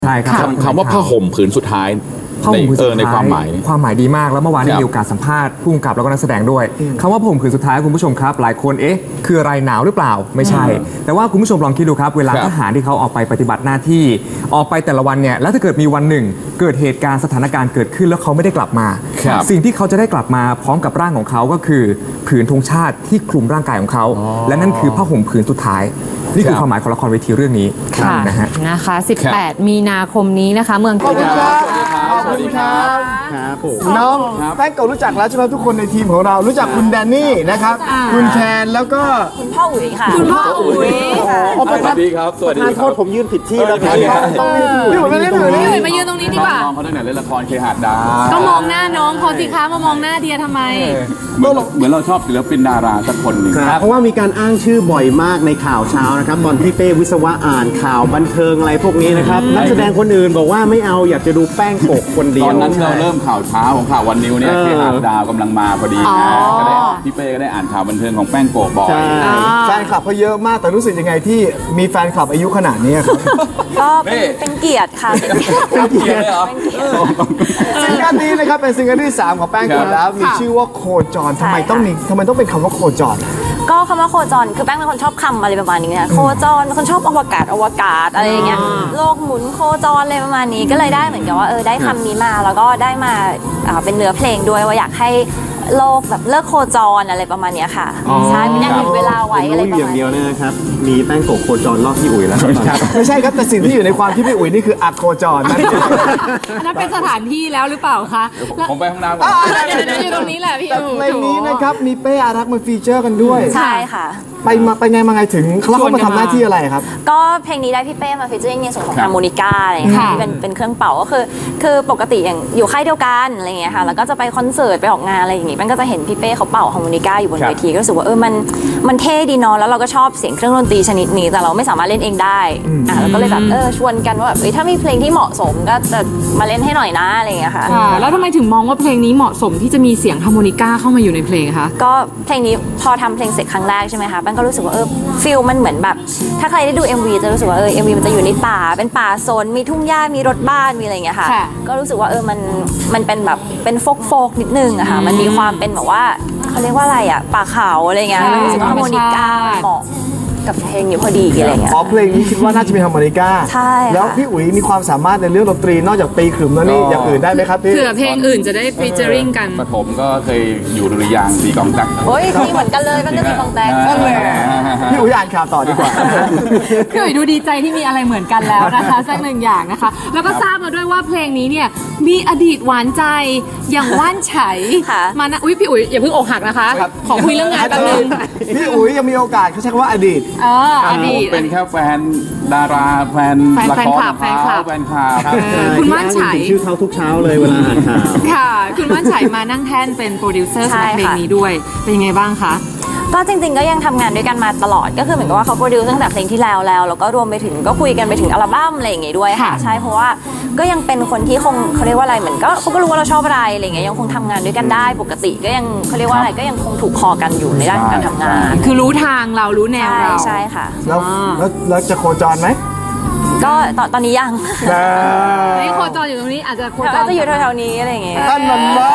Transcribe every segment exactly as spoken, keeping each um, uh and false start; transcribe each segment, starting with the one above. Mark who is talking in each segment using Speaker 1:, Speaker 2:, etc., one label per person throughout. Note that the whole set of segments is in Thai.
Speaker 1: ใช่ครับ
Speaker 2: คำว่าผ้าห่มผืนสุดท้ายในเออในความหมาย
Speaker 1: ความหมายดีมากแล้วเมื่อวานได้มีโอกาสสัมภาษณ์ผู้กำกับแล้วก็นักแสดงด้วยคำว่าผ้าห่มผืนสุดท้ายคุณผู้ชมครับหลายคนเอ๊ะคืออะไรหนาวหรือเปล่าไม่ใช่แต่ว่าคุณผู้ชมลองคิดดูครับเวลาทหารที่เขาออกไปปฏิบัติหน้าที่ออกไปแต่ละวันเนี่ยแล้วถ้าเกิดมีวันหนึ่งเกิดเหตุการณ์สถานการณ์เกิดขึ้นแล้วเขาไม่ได้กลับมาสิ่งที่เขาจะได้กลับมาพร้อมกับร่างของเขาก็คือผืนธงชาติที่คลุมร่างกายของเขาและนั่นคือผ้าห่มผืนสุดท้ายนี่คือความหมายของละครเวทีเรื่องนี้นะฮะ
Speaker 3: นะคะสิบแปดมีนาคมนี้นะคะเมือง
Speaker 4: ขอบคุณครับขอบคุณครับน้องแป้งเก่ารู้จักแล้วใช่ไหมทุกคนในทีมของเรารู้จักคุณแดนนี่นะครับคุณแคนแล้วก็
Speaker 5: คุณพ่ออุ๋ยค่ะ
Speaker 3: คุณพ่ออุ๋ย
Speaker 2: สวัสดีครับสวัสดีครับ
Speaker 4: โทษผมยืนผิดที่แล้วครับพี่อุ๋ยมาเล่นตรงนี้
Speaker 3: พี่อุ๋ยมายืนตรงนี้ดีกว่า
Speaker 2: น้องเขาตั้งแต่เล่นละครเคหะดา
Speaker 3: ก็มองหน้าน้องเขาสิคะมามองหน้าเดียทำไม
Speaker 2: เหมือนเหมือนเราชอบศิลปินดาราสักคนหนึ่ง
Speaker 6: เพราะว่ามีการอ้างชื่อบ่อยมากในข่าวเช้านะครับตอนที่เป้วิศวะอ่านข่าวบันเทิงอะไรพวกนี้นะครับนักแสดงคนอื่นบอกว่าไม่เอาอยากจะดูแป้งโกะคนเดียว
Speaker 2: ตอนนั้นเราเริ่มข่าวเช้าของข่าววันนิวเนี่ยเคหะดาวกำลังมาพอดีนะก็ได้พี่เป้ก็ได้อ่านข่าวบันเทิงของแป้งโกะบ่อย
Speaker 4: แฟนคลับเขาเยอะมากแต่รู้สึกยังไงที่มีแฟนคลับอายุขนาดนี้ครับ
Speaker 5: ก็เป็นเกียรติค่ะ
Speaker 2: เป็นเกียรติเลยเหรอ
Speaker 4: ซิงเกิลนี้นะครับเป็นซิงเกิลที่สามของแป้งโกะแล้วมีชื่อว่าโคจรทำไมต้องมีทำไมต้องเป็นคำว่าโคจร
Speaker 5: ก็คำว่าโคจรคือแป้งเป็นคนชอบคำอะไรประมาณนี้นะโคจรเป็นคนชอบอวกาศอวกาศอะไรอย่างเงี้ยโลกหมุนโคจรอะไรประมาณนี้ก็เลยได้เหมือนกับว่าเออได้คำนี้มาแล้วก็ได้มาเป็นเนื้อเพลงด้วยว่าอยากให้โลกแบบเลิกโคจรอะไรประมาณนี้ค่ะใช่ไม่อยากหยุดเวลาไว้อะไรประมาณนี้
Speaker 6: อย่างเดียวนะครับมีแป้งโกะโคจรรอบพี่อุ๋ยแล้ว
Speaker 4: ไม่ใช่ครับแต่สิ่งที่อยู่ในความที่พี่อุ๋ยนี่คืออัดโคจรนั่น
Speaker 3: นั่นเป็นสถานที่แล้วหรือเปล่าคะ
Speaker 2: ผมไปห้องน้ำก่อน
Speaker 3: อยู่ตรงนี้แหละพี่อุ๋ย
Speaker 4: ในนี้นะครับมีเป้อารักษ์มาฟีเจอร์กันด้วย
Speaker 5: ใช่ค่ะ
Speaker 4: ไปมาไปไงมาไงถึงเขาเข้ามาทำหน้าที่อะไรครับ
Speaker 5: ก็เพลงนี้ได้พี่เป้มาฟีเจอร์ในส่วนของฮาร์โมนิก้าอะไรอย่างเงี้ยที่เป็นเป็นเครื่องเป่าก็คือคือปกติอย่างอยู่ค่ายเดียวกันอะไรอย่างเงี้ยค่ะแล้วก็จะไปคอนเสิร์ตไปออกงานอะไรอย่างงี้มันก็จะเห็นพี่เป้เขาเป่าฮาร์โมนิก้าอยู่บนเวทีก็รู้สึกว่าเออมันมันเท่ดีเนาะแล้วเราก็ชอบเสียงเครื่องดนตรีชนิดนี้แต่เราไม่สามารถเล่นเองได้อ่ะเราก็เลยแบบเออชวนกันว่าแบบเอ้ยถ้ามีเพลงที่เหมาะสมก็จะมาเล่นให้หน่อยนะอะไรอย่างเงี้ยค่ะ
Speaker 3: แล้วทำไมถึงมองว่าเพลงนี้เหมาะสมที่จะมีเสียงฮาร์โมนิก้าเข้ามาอยู่ในเพลงคะ
Speaker 5: ก็เพลงนี้พอทำเพลงเสร็จครั้งแรกใช่ไหมคะแป้งก็รู้สึกว่าเออฟิลมันเหมือนแบบถ้าใครได้ดู เอ็ม วี จะรู้สึกว่าเออ เอ็ม วี มันจะอยู่ในป่าเป็นป่าโซนมีทุ่งหญ้ามีรถบ้านมีอะไรอย่างเงี้ยค่ะก็รู้สึกว่าเออมันมันเป็นแบบเป็นโฟกโฟกนิดนึงอะค่ะมันมีความเป็นแบบว่าเขาเรียกว่าอะไรอะป่าเขาอะไรเงี้ยรู้สึกว่าฮาร์โมนิก้าเหมาะกับเพลงนี้พอดีอะไรเงี้ย
Speaker 4: อ๋อเพลงนี้คิดว่าน่าจะมีฮาร์โมนิก้า
Speaker 5: ใช่
Speaker 4: แล้วพี่อุ๋ยมีความสามารถในเรื่องดนตรีนอกจากตีขลุ่มแล้วนี่อย่างอื่นได้ไหมครับพี่
Speaker 3: เผื่อเพลงอื่นจะได้ฟีเจอริงกัน
Speaker 2: ปฐมก็เคยอยู่ดุริยางค์ตีกองแตก
Speaker 5: โอ้ยตีเหมือนกันเลยมันก็ตีกองแตก
Speaker 4: พี่อุ๋ยอ่านข่าวต่อดีกว่า
Speaker 3: พี่อุ๋ยดูดีใจที่มีอะไรเหมือนกันแล้วนะคะสักหนึ่งอย่างนะคะแล้วก็ทราบมาด้วยว่าเพลงนี้เนี่ยมีอดีตหวานใจอย่างว่านไฉมานะอุ้ยพี่อุ๋ยอย่าเพิ่งอกหักนะคะขอคุยเรื่องงานแป๊บนึง
Speaker 4: พี่อุ๋ยยังมีโอกาสเขาใช้คำว่าอดีต
Speaker 3: เอออดีต
Speaker 2: เป็นแค่แฟนดาราแฟนละคร
Speaker 3: แฟนคลับ
Speaker 2: แฟนคลับ
Speaker 3: คุณว่านไฉ
Speaker 6: ชื่อเขาทุกเช้าเลยเวลาอ่านข่าว
Speaker 3: ค่ะคุณว่านไฉมานั่งแท่นเป็นโปรดิวเซอร์สำหรับเพลงนี้ด้วยเป็นยังไงบ้างคะ
Speaker 5: ก็จริงๆก็ยังทำงานด้วยกันมาตลอดก็คือเหมือนกับว่าเขาโปรดิวซ์ตั้งแต่เพลงที่แล้วแล้วแล้วก็รวมไปถึงก็คุยกันไปถึงอัลบั้มอะไรอย่างงี้ด้วยค่ะใช่เพราะว่าก็ยังเป็นคนที่คงเขาเรียกว่าอะไรเหมือนก็เขาก็รู้ว่าเราชอบอะไรอะไรเงี้ยยังคงทำงานด้วยกันได้ปกติก็ยังเขาเรียกว่าอะไรก็ยังคงถูกคอกันอยู่ในด้านการทำงาน
Speaker 3: คือรู้ทางเรารู้แนวเรา
Speaker 5: ใช่ค่ะ
Speaker 4: แล้วแล้วจะโคจรไหม
Speaker 5: ก็ตอนตอนนี้ยัง
Speaker 3: นี่โคจรอยู่ตรงนี้อาจจะโคจร
Speaker 5: จะอยู่แถวๆนี้อะไรอย่างเงี้ย
Speaker 4: ท่านมันมา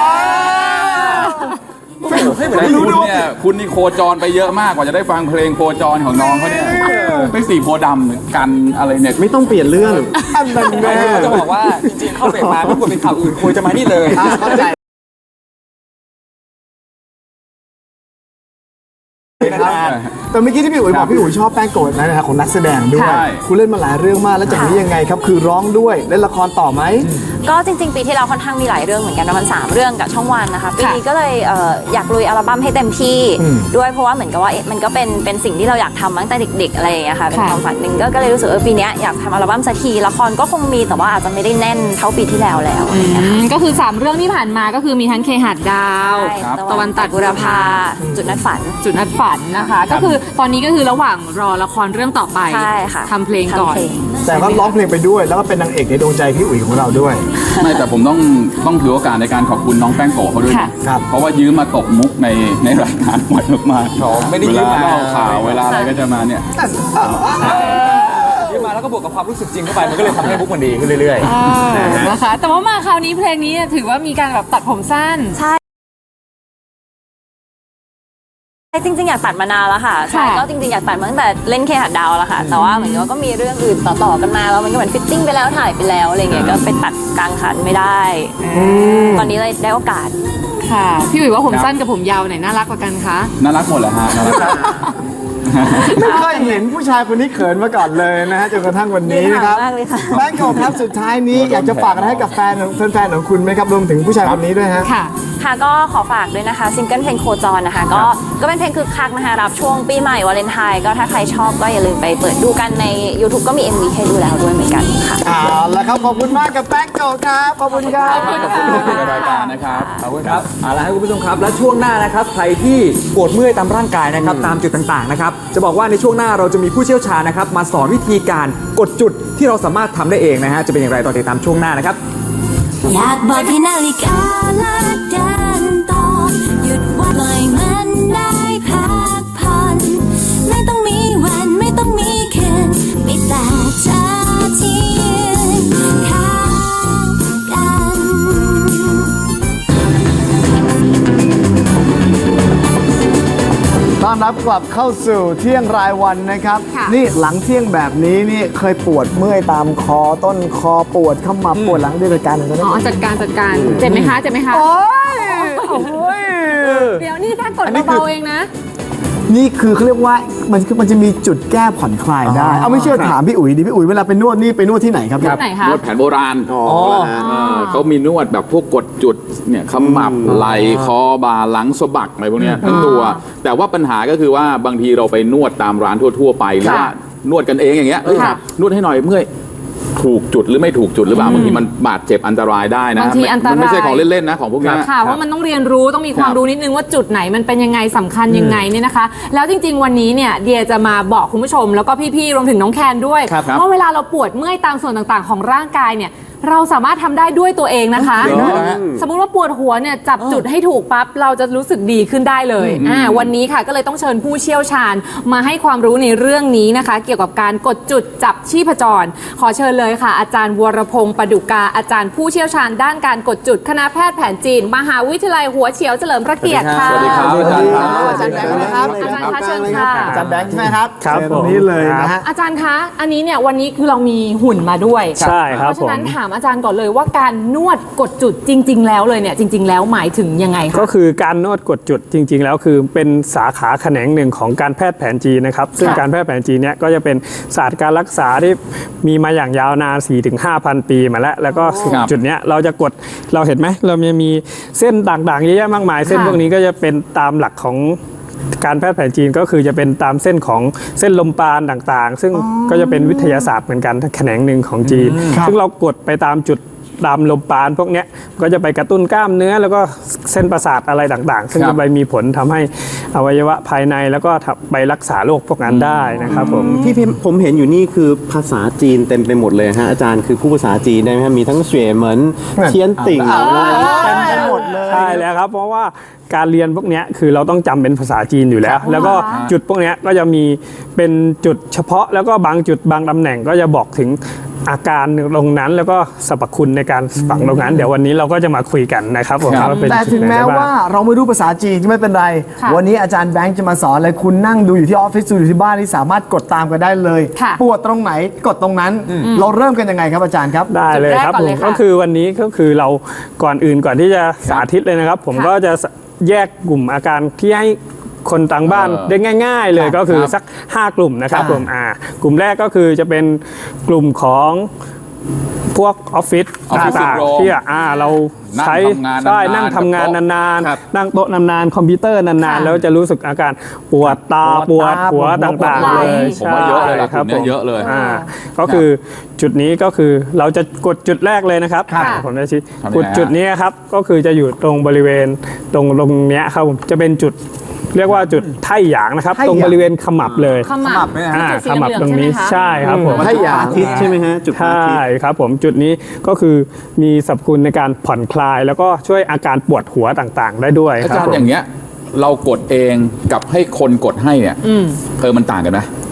Speaker 2: ไม่รู้เนี่ยคุณนี่โคจรไปเยอะมากกว่าจะได้ฟังเพลงโคจรของน้องเขาเนี่ยไม่สีโพดำกันอะไรเนี่ย
Speaker 6: ไม่ต้องเปลี่ยนเรื่อง
Speaker 4: ท่านมันมา
Speaker 7: จะบอกว่าจริงๆเข้าเบรกมาไม่ควรเป็นข่าวอื่นควรจะมานี่เลย
Speaker 4: เข้าใจแต่เมื่อกี้ที่พี่อุ๋ยบอกพี่อุ๋ยชอบแป้งโกะนะฮะของนักแสดงด้วยคุณเล่นมาหลายเรื่องมากแล้วจากนี้ยังไงครับคือร้องด้วยเล่นละครต่อไหม
Speaker 5: ก็จริงๆปีที่แล้วค่อนข้างมีหลายเรื่องเหมือนกันประมาณสามเรื่องกับช่องวันนะคะปีนี้ก็เลยอยากลุยอัลบั้มให้เต็มที่ด้วยเพราะว่าเหมือนกับว่ามันก็เป็นเป็นสิ่งที่เราอยากทำตั้งแต่เด็กๆอะไรอย่างเงี้ยค่ะเป็นความฝันหนึ่งก็เลยรู้สึกว่าปีนี้อยากทำอัลบั้มสักทีละครก็คงมีแต่ว่าอาจจะไม่ได้แน่นเท่าปีที่แล้วแล้ว
Speaker 3: ก็คือสามเรื่องที่ผ่านมาก็คือมีทั้งเคหะดาวตะวันตัดบุรพา
Speaker 5: จุดนัดฝัน
Speaker 3: จุดนัดฝันนะคะก็คือตอนนี้ก็คือระหว่างรอละครเรื่องต่อไปทำเพลงก่อน
Speaker 4: แต่ก็ร้องเพลงไปด้วยแล้วก็เป็นนางเอกในดวงใจพี่อุ๋ยของเราด้วย
Speaker 2: ไม่แต่ผมต้องต้องถือโอกาสในการขอบคุณน้องแป้งโกะเขาด้วยครับเพราะว่ายืมมาตกมุกในในรายการบ่อยมากๆ
Speaker 7: ไม่ได้ยืมมา
Speaker 2: ข่าวเวลาอะไรก็จะมาเนี่ย
Speaker 7: ยืมมาแล้วก็บวกกับความรู้สึกจริงเข้าไปมันก็เลยทำให้มุกมันดีขึ้นเรื่อยๆ
Speaker 3: เออนะคะแต่ว่ามาคราวนี้เพลงนี้เนี่ยถือว่ามีการแบบตัดผมสั้น
Speaker 5: ใช่จริงๆอยากตัดมานานแล้วค่ะใช่
Speaker 3: ค่ะ
Speaker 5: ก็จริงๆอยากตัดมาตั้งแต่เล่นเคหัดดาวแล้วค่ะแต่ว่าเหมือนกับว่าก็มีเรื่องอื่นต่อๆกันมาแล้วมันก็เหมือนฟิตติ้งไปแล้วถ่ายไปแล้วอะไรเงี้ยก็ไปตัดกลางคันไม่ได้ตอนนี้เลยได้โอกาส
Speaker 3: ค่ะพี่อุ๋ยว่าผมสั้นกับผมยาวไหนน่ารักกว่ากันคะ
Speaker 2: น่ารักหมดแหละฮะน่ารัก
Speaker 4: ไม่เคยเห็นผู้ชายคนนี้เขินมาก่อนเลยนะฮะจนกระทั่งวันนี้นะครับ
Speaker 5: มากเลยค่ะ
Speaker 4: แบงค์โกครับสุดท้ายนี้อยากจะฝากอะไรให้กับแฟนของแฟนๆของคุณไหมครับรวมถึงผู้ชายคนนี้ด้วยฮะ
Speaker 3: ค่ะ
Speaker 5: ค่ะก็ขอฝากด้วยนะคะซิงเกิลเพลงโคจรนะคะก็ก็เป็นเพลงคึกคักนะคะรับช่วงปีใหม่วาเลนไทน์ก็ถ้าใครชอบก็อย่าลืมไปเปิดดูกันใน YouTube ก็มี เอ็ม วี ให้ดูแล้วด้วยเหมือนกันค่ะ
Speaker 4: เอาละครับขอบคุณมากกับแบงค์โกครับขอบคุณครับ
Speaker 2: ขอบคุณที่เป็นรายการนะครับ
Speaker 7: ขอบคุณครับเอาละครับคุณผู้ชมครับ และช่วงหน้านะครับ ใครที่ปวดเมื่อยตามร่างกายนะครับ ตามจุดต่างๆนะครับ จะบอกว่าในช่วงหน้าเราจะมีผู้เชี่ยวชาญนะครับ มาสอนวิธีการกดจุดที่เราสามารถทำได้เองนะฮะ จะเป็นอย่างไรต่อติดตามช่วงหน้านะครับ
Speaker 8: อยากบอกให้นาฬิกาและเดินต่อหยุดวันปล่อยมันได้พักผ่อนไม่ต้องมีวันไม่ต้องมีคืนมีแต่เธอที่ยืนข้างกัน
Speaker 4: ต้อนรับกลับเข้าสู่เที่ยงรายวันนะครับ
Speaker 3: ค่ะ
Speaker 4: นี่หลังเที่ยงแบบนี้นี่เคยปวดเมื่อยตามคอต้นคอปวดเข้ามาปวดหลังด้วยการหนึ่งก็ได้
Speaker 3: อ๋อจัดการจัดการเจ็บไหมคะเจ็บไหมคะ
Speaker 4: โอ้ยโอ้ย
Speaker 3: เดี๋ยวนี่แค่กด
Speaker 4: อันนี้คือ
Speaker 3: เบาๆเองนะ
Speaker 4: นี่คือเขาเรียกว่ามันมันจะมีจุดแก้ผ่อนคลายได้ เอาไม่เชื่อถามพี่อุ๋ยดิพี่อุ๋ยเวลาไปนวดนี่ไปนวดที่ไหนครับ
Speaker 3: ที่ไหนคะ
Speaker 2: นวดแผนโบราณ
Speaker 4: อ๋อ
Speaker 2: เออเขามีนวดแบบพวกกดจุดเนี่ยขมับไหล่คอบ่าหลังสะบักอะไรพวกเนี้ยทั้งตัว แต่ว่าปัญหาก็คือว่าบางทีเราไปนวดตามร้านทั่วๆไปหรือว่านวดกันเองอย่างเงี้ยเอ้ย
Speaker 3: ค่ะ
Speaker 2: นวดให้หน่อยเมื่อยถูกจุดหรือไม่ถูกจุดหรือเปล่าบางทีมันบาดเจ็บอันตรายได้นะ
Speaker 3: บางทีอันตราย
Speaker 2: มันไม่ใช่ของเล่นๆนะของพวกเนี้ย
Speaker 3: ค่ะว่ามันต้องเรียนรู้ต้องมีความ
Speaker 2: ครับ
Speaker 3: รู้นิดนึงว่าจุดไหนมันเป็นยังไงสำคัญยังไงเนี่ยนะคะ แล้วจริง ๆ วันนี้เนี่ยเดียจะมาบอกคุณผู้ชม แล้วก็พี่ๆรวมถึงน้องแคนด้วย
Speaker 2: ครับครับ
Speaker 3: ว่าเวลาเราปวดเมื่อยตามส่วนต่างๆ ของร่างกายเนี่ยเราสามารถทำได้ด้วยตัวเองนะคะ
Speaker 2: เหรอฮะ
Speaker 3: สมมุติว่าปวดหัวเนี่ยจับจุดให้ถูกปั๊บเราจะรู้สึกดีขึ้นได้เลยอ่าวันนี้ค่ะก็เลยต้องเชิญผู้เชี่ยวชาญมาให้ความรู้ในเรื่องนี้นะคะ เกี่ยวกับการกดจุดจับชีพจร ขอเชิญเลยค่ะ อาจารย์วรพงศ์ประดุกาอาจารย์ผู้เชี่ยวชาญด้านการกดจุดคณะแพทย์แผนจีน มหาวิทยาลัยหัวเฉียวเฉลิมพระเกียรติค่ะ
Speaker 2: สวัสดีครับอาจารย์ครับ
Speaker 4: อาจารย์แบงค์นะครับ
Speaker 3: อาจารย์คะเชิญค่ะ
Speaker 4: อาจารย์แบงค์ใช่ไหมครับ
Speaker 6: ครับ
Speaker 4: เชิญตรงนี้เลยนะฮะ
Speaker 3: อาจารย์คะ อันนี้เนี่ยวันนี้คือเรามีหุ่นมาด้วย
Speaker 6: ใช่ครับ
Speaker 3: เพราะฉะนั้น
Speaker 6: ผม
Speaker 3: ถามอาจารย์ก่อนเลยว่าการนวดกดจุดจริง ๆ แล้วเลยเนี่ยจริง ๆ แล้วหมายถึงยังไงคะ
Speaker 9: ก็คือการนวดกดจุดจริง ๆ แล้วคือเป็นสาขาแขนงหนึ่งของการแพทย์แผนจีนนะครับซึ่งการแพทย์แผนจีนเนี่ยก็จะเป็นศาสตร์การรักษาที่มีมาอย่างยาวนาน สี่ถึงห้าพัน ปีมาแล้ว แล้วก็
Speaker 2: ครับ
Speaker 9: จุดเนี้ยเราจะกดเราเห็นไหมเราจะมีเส้นต่างๆเยอะแยะมากมาย เส้น
Speaker 3: ค่ะ
Speaker 9: พวกนี้ก็จะเป็นตามหลักของการแพทย์แผนจีนก็คือจะเป็นตามเส้นของเส้นลมปราณต่างๆ ซึ่งก็จะเป็นวิทยาศาสตร์เหมือนกันแขนงหนึ่งของจีน ซึ่งเรากดไปตามจุดตามลมปราณพวกเนี้ยก็จะไปกระตุ้นกล้ามเนื้อแล้วก็เส้นประสาทอะไรต่างๆ ซึ่ง
Speaker 2: ครับ
Speaker 9: จะไปมีผลทำให้อวัยวะภายในแล้วก็ไปรักษาโรคพวกนั้นได้นะครับผม
Speaker 6: ที่ผมเห็นอยู่นี่คือภาษาจีนเต็มไปหมดเลยฮะอาจารย์คือผู้ภาษาจีนได้ไหมฮะมีทั้งเสวยเหมินเทียนติ่งอะไร
Speaker 4: เต็มไปหมดเลย
Speaker 9: ใช่แล้วครับ เพราะว่าการเรียนพวกเนี้ยคือเราต้องจำเป็นภาษาจีนอยู่แล้ว แล้วก็จุดพวกเนี้ยก็จะมีเป็นจุดเฉพาะแล้วก็บางจุดบางตำแหน่งก็จะบอกถึงอาการตรงนั้นแล้วก็สรรพคุณในการฝังตรงนั้น เดี๋ยววันนี้เราก็จะมาคุยกันนะครับผมว่าเป็น
Speaker 4: แต่
Speaker 9: จุด
Speaker 4: ถึง
Speaker 9: ไหน
Speaker 4: แม้
Speaker 9: ได้บ้าง
Speaker 4: ว่าเราไม่รู้ภาษาจีนก็ไม่เป็นไร
Speaker 3: ค่ะ
Speaker 4: วันนี้อาจารย์แบงค์จะมาสอนเลยคุณนั่งดูอยู่ที่ออฟฟิศดูอยู่ที่บ้านนี่สามารถกดตามกันได้เลย
Speaker 3: ค่ะ
Speaker 4: ปวดตรงไหนกดตรงนั้น เราเริ่มกันยังไงครับอาจารย์ครับ
Speaker 9: ได้เลยครับ
Speaker 3: จุดแรกก่อน
Speaker 9: ผ
Speaker 3: เล
Speaker 9: ม
Speaker 3: ยค่ะ
Speaker 9: ก็คือวันนี้ก็คือเราก่อนอื่นก่อนที่จะสาธิตเลยนะครับ ผม
Speaker 3: ค่ะ
Speaker 9: ก็จะแยกกลุ่มอาการที่ให้คนต่างบ้าน
Speaker 2: เออ
Speaker 9: ได้ง่าย ๆ เลย
Speaker 4: ครับ
Speaker 9: ก็คือ
Speaker 2: ครับ
Speaker 9: สักห้ากลุ่มนะครับ
Speaker 4: ค่ะ
Speaker 9: ผมอ่ากลุ่มแรกก็คือจะเป็นกลุ่มของพวกออฟฟิศ
Speaker 2: ออฟฟิศ
Speaker 9: ต่าง
Speaker 2: ซินโดรม
Speaker 9: ๆที่อ่าเราใช้
Speaker 2: นั่งทำงานนานๆ
Speaker 9: ใช่นั่งทำงานนาน
Speaker 2: ครับ
Speaker 9: ๆ นั่งโต๊ะนานๆคอมพิวเตอร์นาน
Speaker 3: ค่ะ
Speaker 9: ๆแล้วจะรู้สึกอาการปวดตาป
Speaker 4: ป
Speaker 9: ว
Speaker 4: ว
Speaker 9: ด
Speaker 4: ดตา
Speaker 9: หัว
Speaker 4: ปวดหัว
Speaker 9: ต่าง
Speaker 3: ปวด
Speaker 9: ๆ
Speaker 3: ไหล่
Speaker 9: เลย
Speaker 2: ผมว่าเยอะเลยล่ะ
Speaker 9: ใช่ครับ
Speaker 2: กลุ่มเนี้ย
Speaker 9: ผม
Speaker 2: เยอะเลย
Speaker 9: อ่าก็คือจุดนี้ก็คือเราจะกดจุดแรกเลยนะครับ
Speaker 3: ค่ะ
Speaker 9: ผมจะชี้
Speaker 2: ทำยังไง
Speaker 9: กดจุดนี้ครับก็คือจะอยู่ตรงบริเวณตรงตรงเนี้ยครับผมจะเป็นจุดเรียกว่าจุดไถ่หยางนะครับ
Speaker 4: ไถ่หยาง
Speaker 9: ตรงบริเวณขมับเลย
Speaker 3: ขมับ
Speaker 9: อ่า
Speaker 3: จุดสี
Speaker 9: ขมับ
Speaker 3: เหลือ
Speaker 9: ตรงนี้
Speaker 3: ใช่ไหมคะ
Speaker 9: ใช่ครับผม
Speaker 6: ไถ่หยางอาทิตย์ใช่ไหมฮะจุดพระอาทิต
Speaker 9: ใช่
Speaker 6: ย์
Speaker 9: ครับผมจุดนี้ก็คือมีสรรพคุณในการผ่อนคลาย แล้วก็ช่วยอาการปวดหัวต่างๆ ได้ด้วย
Speaker 2: อา
Speaker 9: ค
Speaker 2: จา
Speaker 9: รั
Speaker 2: ร
Speaker 9: บ
Speaker 2: ย์อย่างเงี้ยเรากดเองกับให้คนกดให้เนี่ยเออมันต่างกันไหม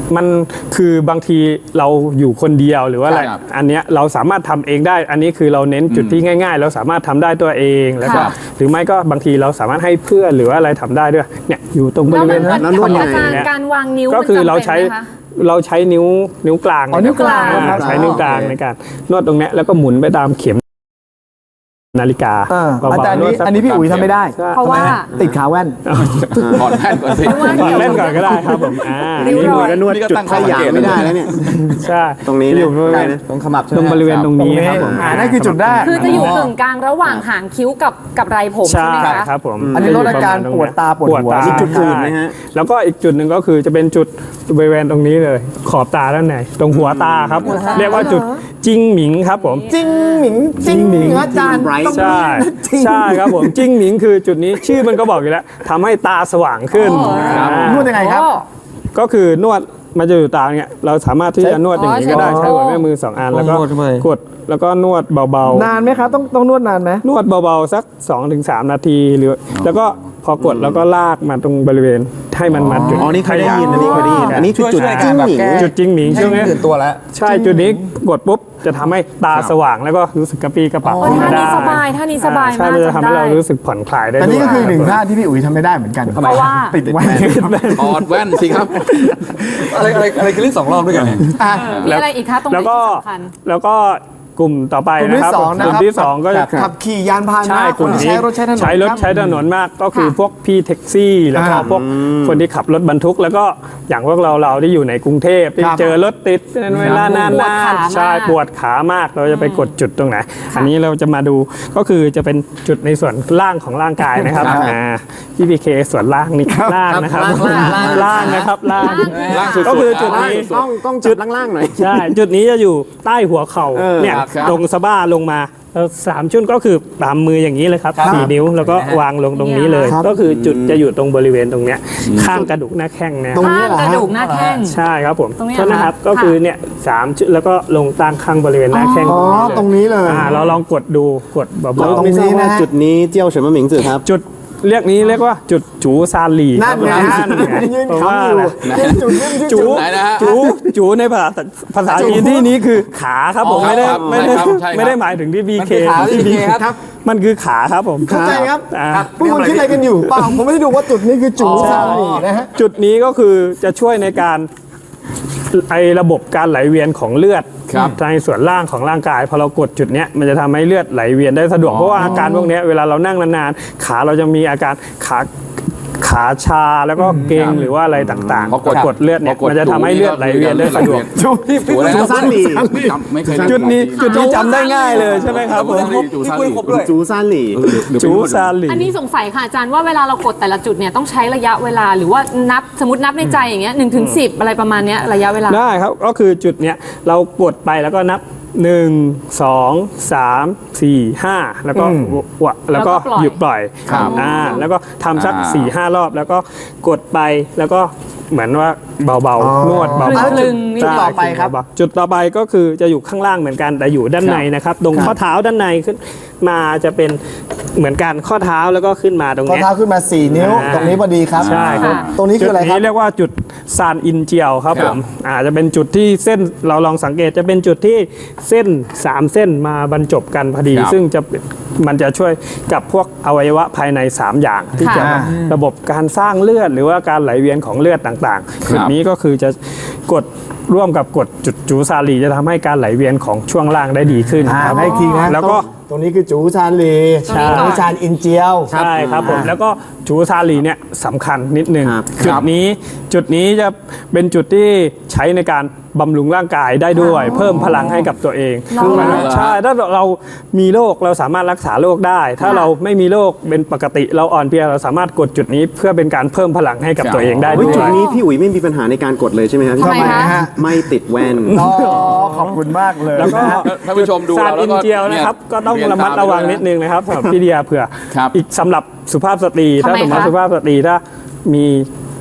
Speaker 9: มันคือบางทีเราอยู่คนเดียวหรือว่าอะไร
Speaker 2: ครับ
Speaker 9: อันเนี้ยเราสามารถทำเองได้ อันนี้คือเราเน้นจุดที่ง่ายๆ เราสามารถทำได้ตัวเองแล้วก็
Speaker 2: ครับ
Speaker 9: หรือไม่ก็บางทีเราสามารถให้เพื่อนหรือว่าอะไรทำได้ด้วยเนี่ยอยู่ตรงบ
Speaker 3: แล้ว
Speaker 9: ริเว
Speaker 3: มัน
Speaker 9: ณนั้น
Speaker 3: มัน
Speaker 9: นวด
Speaker 3: อา
Speaker 9: ยัง
Speaker 3: จาร
Speaker 9: ไง
Speaker 3: ย์การวางนิ้ว
Speaker 9: ก็คือ
Speaker 3: มันจำ
Speaker 9: เราใช้
Speaker 3: ป็นไหมคะ
Speaker 9: เราใช้นิ้วนิ้วกลาง
Speaker 4: อ๋อนิ้วกลาง
Speaker 9: อ่
Speaker 4: ครับ
Speaker 9: ใช้นิ้วกลางในการนวดตรงเนี้ยแล้วก็หมุนไปตามเข็มนาฬิกา
Speaker 4: อ่า
Speaker 9: เบา
Speaker 4: อาจารย์
Speaker 9: ๆนว
Speaker 4: นี้
Speaker 9: ดสัก
Speaker 4: อันนี้พี่อุ๋ยทำไม่ได้
Speaker 3: เพราะว่า
Speaker 4: ติดขาแว่น
Speaker 2: ถอดแว่นก่อนสิ
Speaker 9: เล่นก่อนก็ได้ครับผมอ่า
Speaker 6: นี่มือก็นวด
Speaker 2: นี่ก็
Speaker 6: จุด
Speaker 2: ตั้งข้
Speaker 6: ข
Speaker 2: อสัง
Speaker 6: ยะ
Speaker 2: เกต
Speaker 6: ไม่ได้แล้วเนี่ย
Speaker 9: ใช่
Speaker 6: ตรงนี้
Speaker 9: อยู่
Speaker 6: เนี่ย
Speaker 9: บริเวณ
Speaker 7: ตรงขมับใช่ไห
Speaker 9: ต
Speaker 7: ม
Speaker 9: รงบริเวณตรงนี้ครับผม
Speaker 4: อ่านั่นคือจุดแรก
Speaker 3: คือจะอยู่กึ่งกลางระหว่างหางคิ้วกับกับไรผมใช่
Speaker 9: ใช่
Speaker 3: ไหมคะ
Speaker 9: ครับผม
Speaker 4: อันนี้ลดอาการปวดตาปวดหัว
Speaker 9: ตา
Speaker 6: มีจุดอื่นไหมฮะ
Speaker 9: แล้วก็อีกจุดหนึ่งก็คือจะเป็นจุดบริเวณตรงนี้เลย ขอบตาด้านในตรงหัวตาครับ เรียกว่าจุดจิ้งหมิงครับผม
Speaker 4: จริงหมิงจริงหมิงอาจารย์
Speaker 6: Bright
Speaker 4: ต้อง
Speaker 9: ใช่
Speaker 4: จริง
Speaker 9: ใช่ครับผมจิ้งหมิงคือจุดนี้ชื่อมันก็บอกอยู่แล้วทำให้ตาสว่างขึ้นอ่าน
Speaker 4: วดยังไงครับ
Speaker 9: ก็คือนวดมันจะอยู่ตาเนี่ยเราสามารถที่จะนวดอย่างนี้ก็ได้
Speaker 3: อ๋อ
Speaker 9: ใช้หัวแม่มือสองอันแล้วก็
Speaker 7: นวดเข้าไป
Speaker 9: กดแล้วก็นวดเบาๆ
Speaker 4: นานไหมครับ ต้องต้องนวดนานไหม
Speaker 9: นวดเบาๆสัก สองถึงสาม นาทีหรือแล้วก็พอกดแล้วก็ลากมาตรงบริเวณให้มันมาจุด
Speaker 6: อ๋อนี่เคยได้ยินอันนี้เคยได้ยินอันนี้คือจุด
Speaker 7: ช่วยๆ
Speaker 6: จิ้งหมิง
Speaker 7: แบบแก้
Speaker 9: จุดจิ้งหมิง
Speaker 7: ให้
Speaker 9: ใช่ไหม
Speaker 7: ตื่นตัวแล้ว
Speaker 9: ใช่จุดนี้กดปุ๊บจะทำให้ตาสว่างแล้วก็รู้สึกกระปรี้กระเป๋า
Speaker 3: โอ้ท่านี้สบายท่านี้สบาย
Speaker 9: ใช่
Speaker 3: มาก
Speaker 9: มันจะทำให้
Speaker 3: จำได้
Speaker 9: เรารู้สึกผ่อนคลายได้
Speaker 4: แต่นี่ก็คือหนึ่ง
Speaker 9: ด้วย
Speaker 4: ท่าที่พี่อุ๋ยทำไม่ได้เหมือนกัน
Speaker 3: เพราะว่า
Speaker 4: ติดแว่น
Speaker 2: ถอดแว่นสิครับ
Speaker 7: อะไรอะไรอะไรคือเล่นสองรอบด้วยกันเนี่ย
Speaker 4: อ่ะ
Speaker 3: มีอะไรอีกคะตรงไหน
Speaker 9: แล้วก็
Speaker 3: ที่สำคัญ
Speaker 9: แล้วก็กลุ่มต่อไป
Speaker 4: กลุ่ม
Speaker 9: นะ
Speaker 4: ที่
Speaker 9: ครับ
Speaker 4: สองนะ
Speaker 9: กลุ่
Speaker 4: ครั
Speaker 9: ม
Speaker 4: บ
Speaker 9: ที่สองก็จะ
Speaker 4: ขับขี่ยานพาห
Speaker 9: ใช่
Speaker 4: นะ
Speaker 9: ก
Speaker 4: ค
Speaker 9: ลุ่
Speaker 4: น
Speaker 9: ม
Speaker 4: ที่
Speaker 9: นี้
Speaker 4: ใช้รถใช้ถนน
Speaker 9: ใช้รถ
Speaker 4: ครับ
Speaker 9: ใช้ถนนมากก็คือพวกพี่แท็กซี่ แล้วก็
Speaker 4: ค่ะ
Speaker 9: พวกคนที่ขับรถบรรทุก แล้วก็อย่างพวกเราเราที่อยู่ในกรุงเทพที่
Speaker 4: ครับ
Speaker 9: เจอรถติดเป็นเวลานาน
Speaker 3: ปวดขามาก
Speaker 9: ๆใช่ปวดขามากเราจะไปกดจุดตรงไหน อันนี้เราจะมาดูก็คือจะเป็นจุดในส่วนล่างของร่างกายนะครับ
Speaker 4: ครับ
Speaker 9: อ่าพี่พีเคส่วนล่างนี่ล่างนะครับ
Speaker 7: ล่างล่าง
Speaker 9: ล่างนะครับล่าง
Speaker 2: ล่างสุดๆ
Speaker 9: ก็คือจุด
Speaker 2: ล่าง
Speaker 9: นี้
Speaker 2: สุด
Speaker 6: ต้องต้องจุดล่างๆหน่อย
Speaker 9: ใช่ จุดนี้จะอยู่ใต้หัวเข่า
Speaker 6: เออ
Speaker 9: เนี่ย
Speaker 2: ครับ
Speaker 9: ตรงสะบ้าลงมาแล้วสามชุดก็คือตามมืออย่างนี้เลยครับสี่นิ้วแล้วก็วางลงตรงนี้เลย
Speaker 4: ครับ
Speaker 9: ก็คือจุดจะอยู่ตรงบริเวณตรงเนี้ยข้างกระดูกหน้าแข้งเนี่ย
Speaker 4: ตรงนี้
Speaker 3: ข้าง
Speaker 4: เหรอก ฮะ
Speaker 3: ระดูกหน้าแข้ง
Speaker 9: ใช่ครับผม
Speaker 3: ตรงนี้
Speaker 9: โทษนะครับ
Speaker 3: เหรอคะ
Speaker 9: ก็คือเนี่ยสามชุดแล้วก็ลงตั้งข้างบริเวณหน้าแข้ง
Speaker 4: อ๋อตรงนี้เลย
Speaker 9: อ่าเราลองกดดูกดเบา
Speaker 6: เรา
Speaker 9: ๆ
Speaker 6: ไม่ทราบ
Speaker 4: ตรงนี้
Speaker 6: ว่า
Speaker 4: นะฮะ
Speaker 6: จุดนี้เจียวเฉินมะหมิงสื่อครับ
Speaker 9: จุดเรียกนี้เรียกว่าจุดจูซานหลี
Speaker 4: นั่นไง
Speaker 9: ครับ
Speaker 4: ฮะ
Speaker 9: นั่นไง
Speaker 4: ยืน
Speaker 9: เพราะ
Speaker 4: ขำ
Speaker 9: ว่า
Speaker 4: อยู่
Speaker 9: นะ
Speaker 4: ยืนจุดยืนที่
Speaker 9: จู
Speaker 4: จุด
Speaker 2: ไหนนะฮะ
Speaker 9: จูจูในภาษาภาษาจีนที่นี้คือขาครับผม
Speaker 2: อ๋อ
Speaker 9: ไม่ได้
Speaker 2: ครับ
Speaker 9: ไม่ได้
Speaker 2: ใช่ครับใช่ครับ
Speaker 9: ไม่ได้หมายถึงที่บีเค
Speaker 7: มันคือขาที่ BK ครับ
Speaker 9: มันคือขาครับผม
Speaker 4: เข้าใจครับ
Speaker 9: อ่า
Speaker 4: พวกคุณคิดอะไรกันอยู่เปล่าผมไม่ได้ดูว่าจุดนี้คือจุดซาลีนะฮะ
Speaker 9: จุดนี้ก็คือจะช่วยในการไอระบบการไหลเวียนของเลือด
Speaker 2: ครับ
Speaker 9: ในส่วนล่างของร่างกายพอเรากดจุดเนี้ยมันจะทำให้เลือดไหลเวียนได้สะดวกเพราะว่าอาการพวกเนี้ยเวลาเรานั่งนานๆขาเราจะมีอาการขาขาชาแล้วก็เกร็งหรือว่าอะไรต่างๆ
Speaker 2: พอกด
Speaker 9: กดเลือดเนี่ย
Speaker 2: พอกด
Speaker 9: มันจะทำให้เลือดไหลเวียนได้สะดวก
Speaker 2: จูจูอะไรนะ
Speaker 6: จูซานหลี
Speaker 2: จำไม่เคย
Speaker 9: จุดนี้จุดนี้จำได้ง่ายเลยใช่ไหมครับผม
Speaker 2: จูซาน
Speaker 7: พี่ปุ้ยครบด้วย
Speaker 6: จูซานหลี
Speaker 9: จูซาหลี
Speaker 3: อันนี้สงสัยค่ะอาจารย์ว่าเวลาเรากดแต่ละจุดเนี่ยต้องใช้ระยะเวลาหรือว่านับสมมตินับในใจอย่างเงี้ยหนึ่งถึงสิบอะไรประมาณเนี้ยระยะเวลา
Speaker 9: ได้ครับก็คือจุดเนี้ยเรากดไปแล้วก็นับหนึ่งสองสามสี่ห้าแล้วก็วะแล้วก็
Speaker 3: แล้วก็ปล่อย
Speaker 9: หยุดปล่อย
Speaker 2: ครับ
Speaker 9: อ่าแล้วก็ทำสัก
Speaker 2: อ่า
Speaker 9: สี่ห้ารอบแล้วก็กดไปแล้วก็เหมือนว่าเบาๆนวดเบา
Speaker 4: แล้ว
Speaker 9: ๆ
Speaker 4: จุดจุดต่อไปครับ
Speaker 9: เาๆจุดต่อไปก็คือจะอยู่ข้างล่างเหมือนกันแต่อยู่ด้านในนะครับตรงข้อเท้าด้านในขึ้นมาจะเป็นเหมือนกันข้อเท้าแล้วก็ขึ้นมาตรง
Speaker 4: ข้อ
Speaker 9: เนี้ย
Speaker 4: เท้าขึ้นมาสี่นิ้ว
Speaker 9: อ่า
Speaker 4: ตรงนี้พอดีครับ
Speaker 9: ใช่ครับ
Speaker 4: ตรงนี้คืออะไร
Speaker 9: จุด
Speaker 4: ครับ
Speaker 9: นี้เรียกว่าจุดซานอินเจียวครับ
Speaker 2: ค
Speaker 9: ผ
Speaker 2: รับ
Speaker 9: มอาจจะเป็นจุดที่เส้นเราลองสังเกตจะเป็นจุดที่เส้นสามเส้นมาบรรจบกันพอดี
Speaker 2: ครับ
Speaker 9: ซึ่งจะเป็นมันจะช่วยกับพวกอวัยวะภายในสามอย่าง ที่จะ
Speaker 3: ค่ะ
Speaker 9: ระบบการสร้างเลือดหรือว่าการไหลเวียนของเลือดต่างๆจุดนี้ก็คือจะกดร่วมกับกดจุดจูซาลีจะทำให้การไหลเวียนของช่วงล่างได้ดีขึ้น
Speaker 4: อ่า
Speaker 9: ครับ
Speaker 4: ให้อีกทีนะ
Speaker 9: แล้วก็
Speaker 4: ตรงนี้คือจูชานลี
Speaker 3: ใช่
Speaker 4: ตรงนี้ชานอินเจียว
Speaker 9: ใช่ครับผมแล้วก็จูซาลีเนี่ยสำคัญนิดนึง
Speaker 6: ครับ
Speaker 9: จุดนี้จุดนี้จะเป็นจุดที่ใช้ในการบำรุงร่างกายได้ด้วย เพิ่มพลังให้กับตัวเองคือหมายถึงใช่ถ้าเรามีโรคเราสามารถรักษาโรคได้ ถ้าเราไม่มีโรคเป็นปกติเราอ่อนเพลียเราสามารถกดจุดนี้เพื่อเป็นการเพิ่มพลังให้กับตัวเองได้
Speaker 6: เฮ้ย
Speaker 9: ด้
Speaker 6: จุ
Speaker 9: ว
Speaker 6: ด
Speaker 9: ย
Speaker 6: นี้พี่อุ๋ยไม่มีปัญหาในการกดเลยใช่ไหมครับ
Speaker 3: ทำไมคะ
Speaker 4: ฮะ
Speaker 6: ไม่ติดแว่น
Speaker 4: อ๋อขอบคุณมากเลย
Speaker 9: แล้วก็
Speaker 4: นะฮะ
Speaker 2: ท่านผู้ชมดู
Speaker 9: ซาน
Speaker 2: เราแล้
Speaker 9: อิ
Speaker 2: วน ก็
Speaker 9: เจียวนะครับ
Speaker 2: เนี่ย
Speaker 9: ก็ต้อง
Speaker 2: เรียน
Speaker 9: ระมัด
Speaker 2: ตาม
Speaker 9: ระวัง
Speaker 2: ไปด้วย
Speaker 9: นิดนึงนะครับสำหรับพี่เดียเผื่อ
Speaker 2: ครับ
Speaker 9: อีกสำหรับสุภาพสตรี
Speaker 3: ทำไม
Speaker 9: ถ้าสมมติ
Speaker 3: คะ
Speaker 9: สุภาพสตรีถ้ามี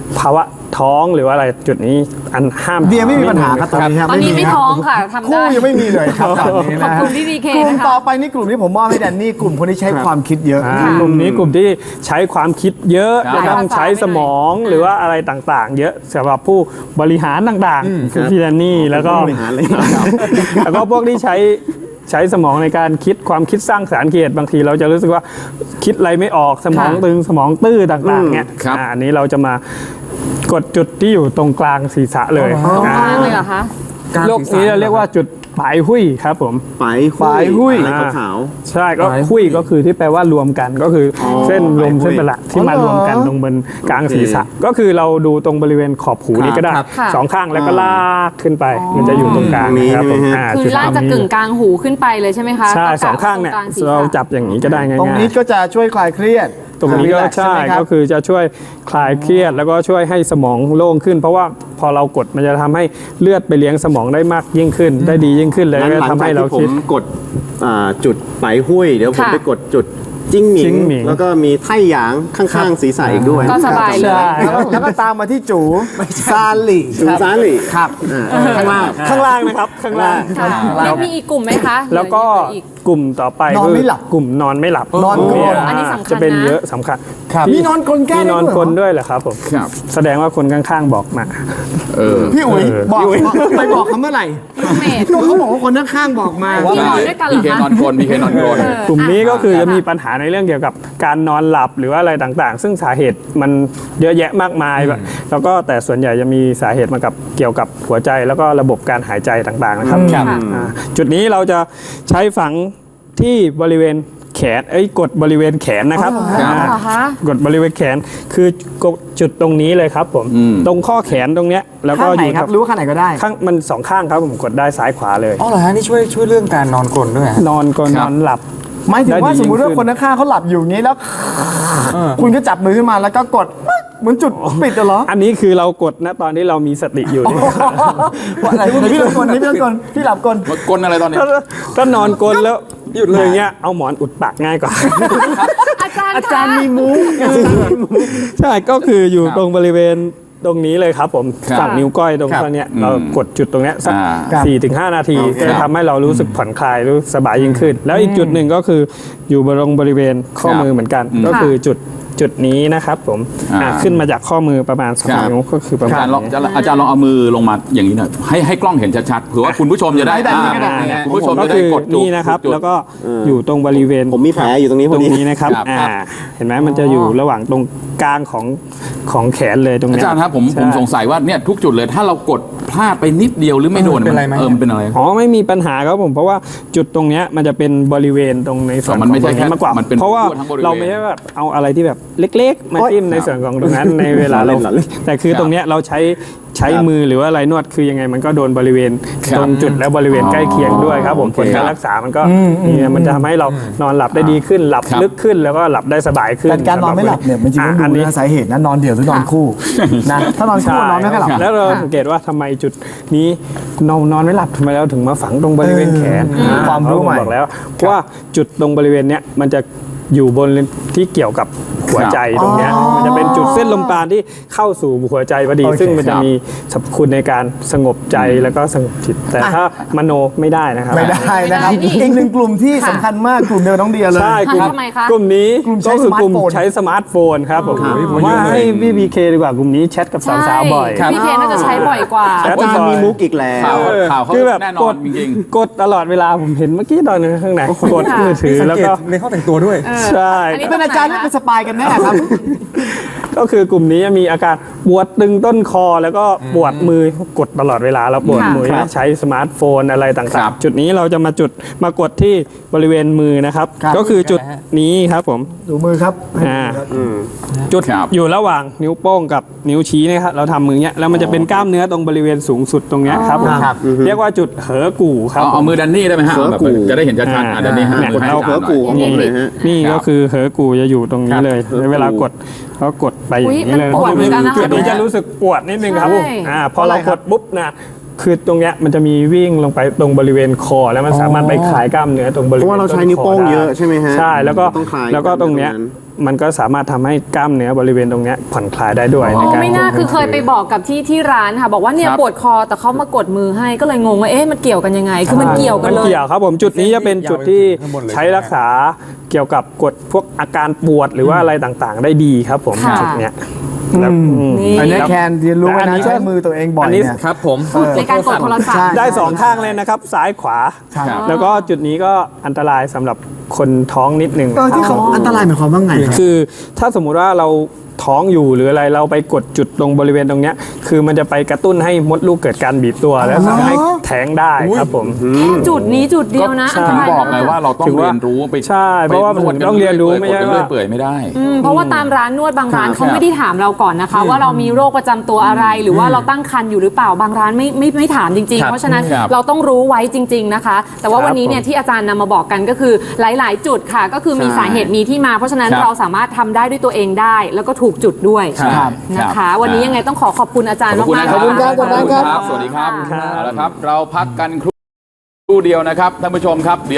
Speaker 9: ภาวะท้องหรือว่าอะไรจุดนี้อันห้าม
Speaker 4: เดียไม่มีปัญหาครับตอนนี้ครับ
Speaker 3: ตอนนี้ไม่
Speaker 4: ครับ
Speaker 3: ท้องค่ะทำได้
Speaker 4: คู่ยังไม่มีเลยครับตอนนี้
Speaker 3: ขอบ
Speaker 4: นะ
Speaker 3: คุณพี่พีเค
Speaker 4: กลุ่ม
Speaker 3: นะคะ
Speaker 4: ต่อไปนี่กลุ่มที่ผมมอบให้แดนนี่กลุ่มคนที่ใช้ความคิดเยอะ
Speaker 9: อ่ากลุ่มนี้กลุ่มที่ใช้ความคิดเยอะ
Speaker 2: ครับ
Speaker 9: จะต้องใช้สมองหรือว่าอะไรต่างๆ เยอะสำหรับผู้บริหารต่างๆคือพี่แดนนี่แล้วก็
Speaker 6: บริหารเลย
Speaker 9: แล้วก็พวกที่ใช้ใช้สมองในการคิดความคิดสร้างสรรค์เกียรติบางทีเราจะรู้สึกว่าคิดอะไรไม่ออกสมองตึงสมองตื้อต่างๆเนี่ย
Speaker 2: ครับ
Speaker 9: อ่าอันนี้เราจะมากดจุดที่อยู่ตรงกลางศีรษะเลย
Speaker 3: ตรงกลางเลยเหรอคะ
Speaker 9: โรคนี้เราเรียกว่าจุดปลายหุ้ยครับผม
Speaker 6: ปลาย
Speaker 4: ปลายหุ้ย
Speaker 6: อะไรขาว
Speaker 9: ใช่ก็
Speaker 1: ปลายหุ้
Speaker 9: หุ้
Speaker 1: ย
Speaker 9: ยก็คือที่แปลว่ารวมกันก็คืออเส้นลม
Speaker 6: ปลายหุ้ย
Speaker 9: เส้นประหลาดที่มารวมกันตรงบนกลางศีรษะ ก็คือเราดูตรงบริเวณขอบหูนี้ก็ได้
Speaker 1: ครับ
Speaker 3: ค่ะ
Speaker 9: สองข้างแล้วก็ลากขึ้นไป มันจะอยู่ตรงกลาง
Speaker 6: ตรงนี้
Speaker 9: นะครับผม
Speaker 6: ใช่ไหมฮะ
Speaker 9: อ่า
Speaker 3: คือ
Speaker 9: จุด
Speaker 3: ล่างจะ
Speaker 9: นี้
Speaker 3: กึ่งกลางหูขึ้นไปเลยใช่ไหมคะ
Speaker 9: ใช่
Speaker 3: ก็กะ
Speaker 9: สองข้างเนี่ย
Speaker 3: ตรกลศีรษะ
Speaker 9: เราจับอย่างนี้ก็ได้ง่าย
Speaker 4: ตรงนี้ก็จะช่วยคลายเครียด
Speaker 9: ๆตรงนี้ก็
Speaker 4: relax
Speaker 9: ใช่
Speaker 4: ไหมรับ
Speaker 9: ก็คือจะช่วยคลายเครียดแล้วก็ช่วยให้สมองโล่งขึ้น เพราะว่าพอเรากดมันจะทำให้เลือดไปเลี้ยงสมองได้มากยิ่งขึ้น ได้ดียิ่งขึ้นเลย
Speaker 6: งั้น
Speaker 9: ก็
Speaker 6: หลัง
Speaker 9: ทำ
Speaker 6: จาก
Speaker 9: ให้เรา
Speaker 6: ที่ผ
Speaker 9: คิด
Speaker 6: มกดอ่าจุดปลายหุ้ย เดี๋ยวผม
Speaker 3: ค่ะ
Speaker 6: ไปกดจุดจิ้งหมิ
Speaker 9: จิ้
Speaker 6: ง
Speaker 9: งหมิง
Speaker 6: แล้วก็มีไท่หยางข้างๆศีรษะอีกด้วย
Speaker 3: ก็สบายเลย
Speaker 4: แล้วก็แล้วก็ตามมาที่จูซาหลี่
Speaker 6: จูซาหลี่
Speaker 4: ครับ
Speaker 6: ข้างล่าง
Speaker 9: ข้างล่างนะครับข้างล่าง
Speaker 3: ค่ะแล้วมีอีกกลุ่มไหมคะ
Speaker 9: แล้วก็
Speaker 3: เหออีก
Speaker 9: กลุ่มต่อไป
Speaker 4: นอนไม่
Speaker 9: คื
Speaker 4: หลับ
Speaker 9: กลุ่มนอนไม่หลับ
Speaker 4: นอนกรน
Speaker 9: เ
Speaker 3: อันนี้สำคัญนะ
Speaker 9: จะเป็นเยอะสำคัญ
Speaker 4: ครับ
Speaker 9: ที่
Speaker 4: มีนอนกรนแก้
Speaker 9: มี
Speaker 4: ได้
Speaker 9: นอน
Speaker 4: ด้วยเหรอ
Speaker 9: กลนด้วยเหรอครับผม
Speaker 2: ครับ
Speaker 9: แสดงว่าคนข้างๆบอกมา
Speaker 2: เออ
Speaker 4: พี่อุ๋ย
Speaker 9: เออ
Speaker 4: บอกไปบอกเขาเมื่อไหร่
Speaker 3: เมด
Speaker 4: ก็เขาบอกว่าคนข้างๆบอกมา
Speaker 3: ที่นอนด้วยกันเหร
Speaker 2: มี
Speaker 3: อ
Speaker 2: เค
Speaker 3: คะ
Speaker 2: นอนกลนมีเคนอนกลน
Speaker 3: เออ
Speaker 9: กลุ่มนี้ก็คือ
Speaker 3: ค่ะ
Speaker 9: จะมีปัญหาในเรื่องเกี่ยวกับการนอนหลับหรือว่าอะไรต่างๆ ซึ่งสาเหตุมันเยอะแยะมากมายแบบแล้วก็แต่ส่วนใหญ่จะมีสาเหตุมากับเกี่ยวกับหัวใจแล้วก็ระบบการหายใจต่างๆนะครับ
Speaker 3: ครับ
Speaker 9: อ่าจุดนี้เราจะใช้ฝังที่บริเวณแขนเอ้ยกดบริเวณแขนนะครับ
Speaker 3: อ๋อเหรอคะ
Speaker 9: กดบริเวณแขนคือกดจุดตรงนี้เลยครับผม
Speaker 2: อืม
Speaker 9: ตรงข้อแขนตรงเนี้ยแล้วก็
Speaker 4: ข้าง
Speaker 9: อ
Speaker 4: ไหน
Speaker 9: ยู่
Speaker 4: ครับรู้ว่าข้างไหนก็ได้
Speaker 9: ข้างมันสองข้างครับผมกดได้ซ้ายขวาเลย
Speaker 1: อ๋อเหรอฮะนี่ช่วยช่วยเรื่องการนอนกรนด้วยฮะ
Speaker 9: นอนก็นอนหลับ
Speaker 4: หมายถึงว่า
Speaker 9: ได้ดี
Speaker 4: สมมุติว่า
Speaker 9: ยิ่งขึ้น
Speaker 4: คนข้างๆเขาหลับอยู่อย่างนี้แล้ว คุณก็จับมือขึ้นมาแล้วก็กดปึ๊กเหมือนจุดปิดอะเหรอ
Speaker 9: อันนี้คือเรากดนะตอนที่เรามีสติอยู่เนี่ย
Speaker 4: ว่าอะไรพี่ต้องกลนี่พี่ต้องกลพี่หลับกล
Speaker 2: มากลอะไรตอนนี้
Speaker 9: ถ้าถ้านอนกลนแล้วหยุดเลยเงี้ยเอาหมอนอุดปากง่ายกว่า
Speaker 3: อาจารย์
Speaker 4: อาจารย์มีมูฟ
Speaker 9: ใช่ก็คืออยู่ตรงบริเวณตรงนี้เลยครับผม
Speaker 2: ครับ
Speaker 9: ฝั่งนิ้วก้อยตรง
Speaker 4: ครับ
Speaker 9: ข้างเนี้ย
Speaker 2: อืม
Speaker 9: เรากดจุดตรงเนี้ยสัก
Speaker 2: อ่า
Speaker 4: ครับ
Speaker 9: สี่ถึงห้านาที
Speaker 2: โอเค
Speaker 9: ก็จะทำให้เรารู้สึกผ่อนคลายรู้สึกสบายยิ่งขึ้น แล้วอีกจุดหนึ่งก็คืออยู่บริเวณบริเวณข้อมือเหมือนกัน ก็คือจุดจุดนี้นะครับผม
Speaker 2: อ่า
Speaker 9: อ่าขึ้นมาจากข้อมือประมาณสอง
Speaker 2: ครับ
Speaker 9: นิ้วก็คือประ
Speaker 2: อา
Speaker 9: มา
Speaker 2: จาร
Speaker 9: ณ
Speaker 2: ย์ลอง
Speaker 9: นี้
Speaker 2: อาจารย์ลองเอามือลงมาอย่างนี้หน่อยให้ให้กล้องเห็นชัดๆเผื่อว่าคุณผู้ชมจะได้
Speaker 4: ได้ได้ได้
Speaker 2: อ่า
Speaker 4: ได้
Speaker 2: คุณผู้ชม
Speaker 9: ก็
Speaker 2: จะได้
Speaker 9: คือก
Speaker 2: ดจุด
Speaker 9: นี่นะครับ
Speaker 2: จุด
Speaker 9: แล้วก็อยู่ตรงบริเวณ
Speaker 6: ผมมีแผลอยู่ตรงนี้พ
Speaker 9: ต
Speaker 6: อ
Speaker 9: รง
Speaker 6: ดี
Speaker 9: นี้นะครับ
Speaker 2: ครับ
Speaker 9: อ่าเห็นไหมมันจะอยู่ระหว่างตรงกลางของของแขนเลยตรง
Speaker 2: อา
Speaker 9: เนี้ย
Speaker 2: จารย์ครับผม
Speaker 9: ใช่
Speaker 2: ผมสงสัยว่าเนี่ยทุกจุดเลยถ้าเรากดพลาดไปนิดเดียวหรือไม่โดน
Speaker 1: เป็นไรไหม
Speaker 2: เออมันเป็นอะไร
Speaker 9: อ๋อไม่มีปัญหาครับผมเพราะว่าจุดตรงเนี้ยมันจะเป็นบริเวณตรงในส่วน
Speaker 2: อ๋อมันไม่
Speaker 9: ของตรง
Speaker 2: ใช่แค่
Speaker 9: มากกว่า
Speaker 2: มันเป็น
Speaker 9: เพราะว่า
Speaker 2: ทั่วทั้งบริเวณ
Speaker 9: เราไม่ได้แบบเอาอะไรที่แบบเล็กๆ มาจิ้มในส่วนของตรงนั้น ในเวลาเรา
Speaker 6: หล่อเล่น
Speaker 9: แต่คือตรงเนี้ยเราใช้ใช้มือหรือว่าอะไรนวดคือยังไงมันก็โดนบริเวณ
Speaker 2: ครับ
Speaker 9: ตรงจุดและบริเวณใกล้เคียงด้วยครับผม
Speaker 2: โอเค
Speaker 9: ผลการรักษามันก็เนี่ยมันจะทำให้เรานอนหลับได้ดีขึ้นหลับ
Speaker 2: ครับ
Speaker 9: ลึกขึ้นแล้วก็หลับได้สบายขึ้น
Speaker 4: แต่การนอนไม่หลับเนี่ยมันจริงๆต้อง
Speaker 9: อัน
Speaker 4: ดู
Speaker 9: นี้
Speaker 4: นะสาเหตุนะนอนเดี่ยวหรือนอนคู่นะถ้านอนคู่นอนไม่ค่อยหลับ
Speaker 9: แล้วเราสังเกตว่าทำไมจุดนี้นอนนอนไม่หลับทำไมเราถึงมาฝังตรงบริเวณแขน
Speaker 4: เออความรู้ใหม่
Speaker 9: บอกแล้วว่าจุดตรงบริเวณเนี้ยมันจะอยู่บนที่เกี่ยวกับหัวใจตรงเนี้ยมันจะเป็นจุดเส้นลมปราณที่เข้าสู่หัวใจพอดี
Speaker 4: โอเค
Speaker 9: ซึ่งมันจะ
Speaker 2: ครับ
Speaker 9: มีสรรพคุณในการสงบใจแล้วก็สงบจิต แต่ถ้ามโนไม่ได้นะครับ
Speaker 4: ไม่ได้นะครับ
Speaker 3: ไม่ได้
Speaker 4: อีกหนึ่งกลุ่มที่สำคัญมากกลุ่มเดียวน้องเดียเลย
Speaker 9: ใช่กลุ่ม
Speaker 3: ทำไมคะ
Speaker 9: กลุ่มนี้
Speaker 4: กลุ่มใช้
Speaker 9: ก็คือกลุ่ม
Speaker 4: สมาร์ทโฟน
Speaker 9: ใช้สมาร์ทโฟนครับผม
Speaker 4: ครับ
Speaker 9: ผมว่าให้พี่บีเคดีกว่ากลุ่มนี้แชทกับสาวๆบ่อย
Speaker 3: ใช่พี่เคนน่าจะใช้บ่อยกว่า
Speaker 9: แชท
Speaker 6: อาจารย์มีมุกอีกแล้ว
Speaker 2: ข่าวข่าวเขา
Speaker 9: คือแบบ
Speaker 2: แน่น
Speaker 9: ก
Speaker 2: อน
Speaker 9: ด
Speaker 2: จริง
Speaker 9: กดตลอดเวลาผมเห็นเมื่อกี้ตอนนึงข้างในกดมือถือ
Speaker 1: สัง
Speaker 9: แล้ว
Speaker 1: เกต
Speaker 9: ก็
Speaker 1: ในข้อแต่งตัวด้วย
Speaker 9: ใช่
Speaker 3: อันนี้
Speaker 4: เป็นอาจารย์หรือเป็นสปายกันแน่ครับ
Speaker 9: ก็คือกลุ่มนี้จะมีอาการปวดตึงต้นคอแล้วก็ปวดมือกดตลอดเวลาแล้วปวด
Speaker 3: ค่ะ
Speaker 9: มือ
Speaker 2: ครับ
Speaker 9: ใช้สมาร์ทโฟนอะไร
Speaker 2: ครั
Speaker 9: ต่าง
Speaker 2: บ
Speaker 9: ๆ จุดนี้เราจะมาจุดมากดที่บริเวณมือนะครับ
Speaker 4: ครับ
Speaker 9: ก็คือจุดนี้ครับผม
Speaker 4: ดูมือครับ
Speaker 9: อ่าจุด
Speaker 2: ครับ
Speaker 9: อยู่ระหว่างนิ้วโป้งกับนิ้วชี้นะครับเราทำมือเนี้ยแล้วมันจะเป็นกล้ามเนื้อตรงบริเวณสูงสุดตรงเนี้ยครับผม
Speaker 4: ครับ
Speaker 9: เรียกว่าจุดเหอกู่ครับ
Speaker 2: เอาเอามือดันนี่ได้ไหมฮะ
Speaker 6: เสือ
Speaker 2: แบบ
Speaker 6: กู
Speaker 2: จะได้เห็นชัดๆอ่ะดันนี่ฮะ
Speaker 9: เนี่ย
Speaker 2: กดให้
Speaker 6: เอา
Speaker 2: อาจารย์หน่
Speaker 6: เสือกู
Speaker 2: อย
Speaker 6: ของผมเลยฮะ
Speaker 9: นี่
Speaker 2: ครับ
Speaker 9: ก็คือเหอกูจะอยู่ตรงนี้เลย
Speaker 6: ครับ
Speaker 9: แล้วเวลากดก็กดไปอย่างนี้เลย
Speaker 3: อุ๊ยมันปวดเหมือนกันนะคะ
Speaker 9: จุดนี้จะรู้สึกปวดนิดนึงครับ
Speaker 3: ใช่
Speaker 9: อ่าพอเรากดปุ๊บนะคือตรงเนี้ยมันจะมีวิ่งลงไปตรงบริเวณคอแล้วมันสามารถไปคลายกล้ามเนื้อตรงบริเวณ
Speaker 6: เพราะว่าเราใช้นิ้วโป้งเยอะใช่ไหมฮะ
Speaker 9: ใช่แล้วก็
Speaker 6: ต้องคลาย
Speaker 9: แล้วก็ตรงเนี้ย
Speaker 6: ตรงนั้น
Speaker 9: มันก็สามารถทำให้กล้ามเนื้อบริเวณตรงเนี้ยผ่อนคลายได้ด้วย
Speaker 3: อ๋
Speaker 9: ใน
Speaker 3: อ
Speaker 9: การ
Speaker 3: ไม่น่าคือเคยไปบอกกับที่ที่ร้านค่ะ บอกว่าเนี่ย
Speaker 2: ครับ
Speaker 3: ปวดคอแต่เขามากดมือให้ก็เลยงงว่าเอ๊ะมันเกี่ยวกันยังไง คือมันเกี่ยวกัน
Speaker 9: มัน
Speaker 3: เลย
Speaker 9: เกี่ยวครับผมจุดนี้จะเป็นจุดที่ใช้รักษาเกี่ยวกับกดพวกอาการปวดหรือว่าอะไรต่างๆ ได้ดีครับผม
Speaker 3: ค่ะ
Speaker 9: จุดเนี้ยแล้วอืม
Speaker 3: นี่
Speaker 4: อันนี้แคนเรียนรู้ไว้
Speaker 9: อัน
Speaker 4: นะ
Speaker 9: นี้
Speaker 4: ใช้มือตัวเองบ่อย
Speaker 9: อันนี้
Speaker 4: เนี่ย
Speaker 1: ครับผม
Speaker 3: ในการกดโทรศัพท์
Speaker 4: ใช่
Speaker 9: ได้สองข้างเลยนะครับ ซ้ายขวา
Speaker 4: ครับ
Speaker 9: แล้วก็จุดนี้ก็อันตรายสำหรับคนท้องนิดนึง
Speaker 4: เออที่เขาอันตรายหมายความว่าไงครับ
Speaker 9: คือถ้าสมมุติว่าเราท้องอยู่หรืออะไรเราไปกดจุดตรงบริเวณตรงเนี้ยคือมันจะไปกระตุ้นให้มดลูกเกิดการบีบตัวแล้วทำให้แท้งได้ครับผม
Speaker 3: จุดนี้จุดเดียวนะ
Speaker 9: ใช่
Speaker 3: อันต
Speaker 2: ถึง
Speaker 3: ราย
Speaker 2: บอกไง
Speaker 3: มาก
Speaker 2: ว่าเราต้อง
Speaker 9: ถือว่า
Speaker 2: เรียนรู้ไป
Speaker 9: ใช่เพราะว่า
Speaker 2: ไปนด
Speaker 9: ผมต้องเรียนรู้ไม่ใช่
Speaker 2: กดกันเรื่อย
Speaker 9: ว่า
Speaker 2: เปื่อยไม่ได้
Speaker 3: อืมเพราะว่าตามร้านนวดบางร้านเขา
Speaker 2: ครับ
Speaker 3: ไม่ได้ถามเราก่อนนะคะ ว่าเรามีโรคประจำตัวอะไร หรือว่าเราตั้งครรภ์อยู่หรือเปล่าบางร้านไม่ไม่ไม่ถามจริง
Speaker 1: ครั
Speaker 3: ๆ
Speaker 1: บ
Speaker 3: เพราะฉะนั้น
Speaker 2: ครับ
Speaker 3: เราต้องรู้ไว้จริง ๆนะคะ แต่ว่าวันนี้เนี่ยที่อาจารย์นำมาบอกกันก็คือหลาย ๆ จุดค่ะ ก็คือมีสาเหตุมีที่มา เพราะฉะนั้น
Speaker 2: ครับ
Speaker 3: เราสามารถทำได้ด้วยตัวเองได้ แล้วก็ถูกจุดด้วย
Speaker 2: ครับ
Speaker 3: นะคะ
Speaker 2: ครับ
Speaker 3: วันนี้ยังไงต้องขอขอบคุณอาจารย์
Speaker 2: ขอบคุณ
Speaker 3: มาก
Speaker 2: นะ
Speaker 3: ๆ
Speaker 2: ครับ
Speaker 4: ขอบคุณครับ
Speaker 2: ขอบคุณครับ
Speaker 4: ขอบคุณครับ
Speaker 2: สวัสดีครับ
Speaker 3: ค่ะ
Speaker 2: เอาละครับ เราพักกันครู่เดียวนะครับท่านผู้ชมครับ